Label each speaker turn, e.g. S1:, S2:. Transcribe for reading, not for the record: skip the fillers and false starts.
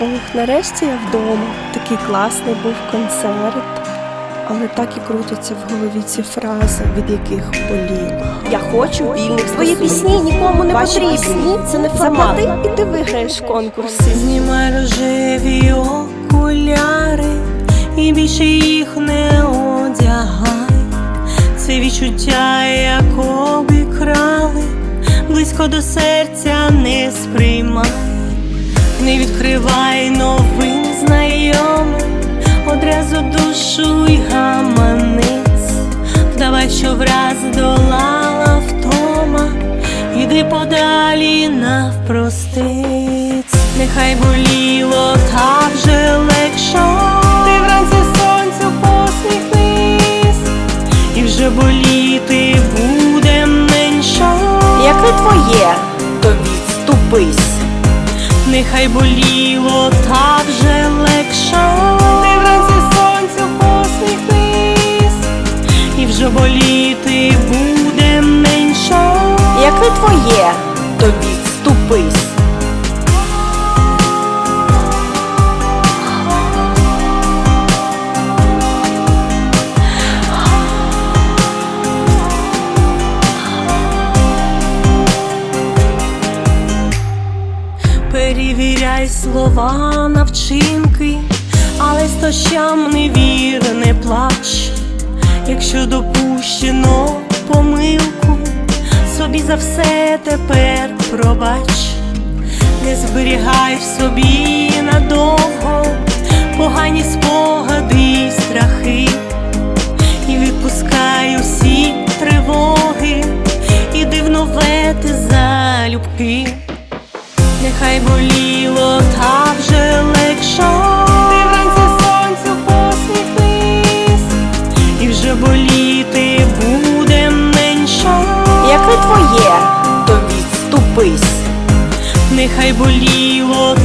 S1: Ох, нарешті я вдома. Такий класний був концерт. Але так і крутяться в голові ці фрази, від яких боліло.
S2: Я хочу вільних
S1: Твої пісні нікому не потрібні. Це не формат. І ти виграєш в конкурсі.
S2: Знімай рожеві окуляри і більше їх не одягай. Це відчуття, як обікрали, близько до серця не сприймай. Не відкривай новин знайомим, одразу душу й гаманець. Вдавай, що враз долала втома, іди подалі навпростець. Нехай боліло, так же легшо, ти вранці сонцю посміхнись, і вже боліти буде менше.
S1: Як не твоє, то відступись.
S2: Нехай боліло, так же легше, ти вранці сонцю посміхнись, і вже боліти буде менше.
S1: Як не твоє, то відступись.
S2: Перевіряй слова на вчинки, але стощам не вір, не плач. Якщо допущено помилку, собі за все тепер пробач. Не зберігай в собі надовго погані спогади й страхи, і відпускай усі тривоги, іди в нове ти залюбки. Нехай боліло, так же легше, ти вранці сонцю посміхнись, і вже боліти буде менше.
S1: Як не твоє, то відступись.
S2: Нехай боліло,